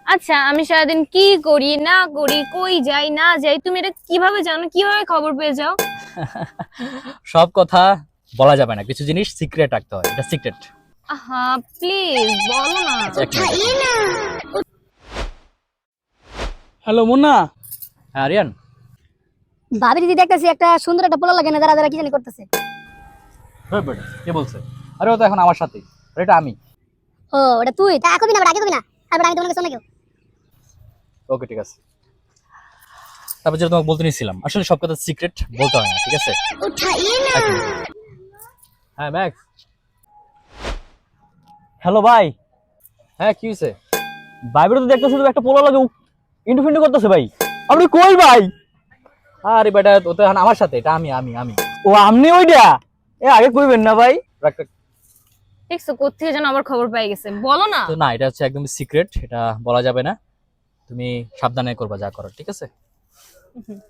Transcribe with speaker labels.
Speaker 1: আচ্ছা, আমি সারাদিন কি করি না করি, কই যাই না যাই, তুমি এটা কিভাবে জানো? কিভাবে খবর পেয়ে যাও?
Speaker 2: সব কথা বলা যাবে না, কিছু জিনিস সিক্রেট রাখতে হয়, এটা সিক্রেট।
Speaker 1: আহা, প্লিজ বলো না।
Speaker 2: আচ্ছা, এক মিনিট।
Speaker 3: হ্যালো মুন্না।
Speaker 2: হ্যাঁ আরিয়ান।
Speaker 4: ভাবি দিদি দেখতেছি একটা সুন্দর একটা পোলা লাগে না, যারা যারা কি জানি করতেছে।
Speaker 2: হ্যাঁ বেটা, কে বলছে? আরে ও তো এখন আমার সাথে, আর এটা আমি।
Speaker 4: ও ওটা তুই তা কবি না, আগে কবি না, তারপর আমি তোমাকে শোনাকে।
Speaker 2: ওকে ঠিক আছে। তারপর যেটা তোমাকে বলতে নিয়েছিলাম, আসলে সব কথা সিক্রেট বলতে হয় না, ঠিক আছে? এক মিনিট। হ্যাঁ ম্যাক্স।
Speaker 3: হ্যালো ভাই।
Speaker 2: হ্যাঁ কি হয়েছে?
Speaker 3: ভাইবের তো দেখতেছি তো একটা পোলা লাগে ইন্টু ফিন্টু করতেছে ভাই। আপনি কই ভাই?
Speaker 2: আরে বেটা, ও তো এখন আমার সাথে, এটা আমি।
Speaker 3: ও আমনি ওইটা? এ আগে কইবেন না ভাই।
Speaker 2: রাখ, রাখ।
Speaker 1: দেখছো কোত্থেকে যেন আবার খবর পেয়ে গেছে, বলো না।
Speaker 2: তো না, এটা হচ্ছে একদম সিক্রেট, এটা বলা যাবে না। তুমি সাবধানে করবা যা করো, ঠিক আছে?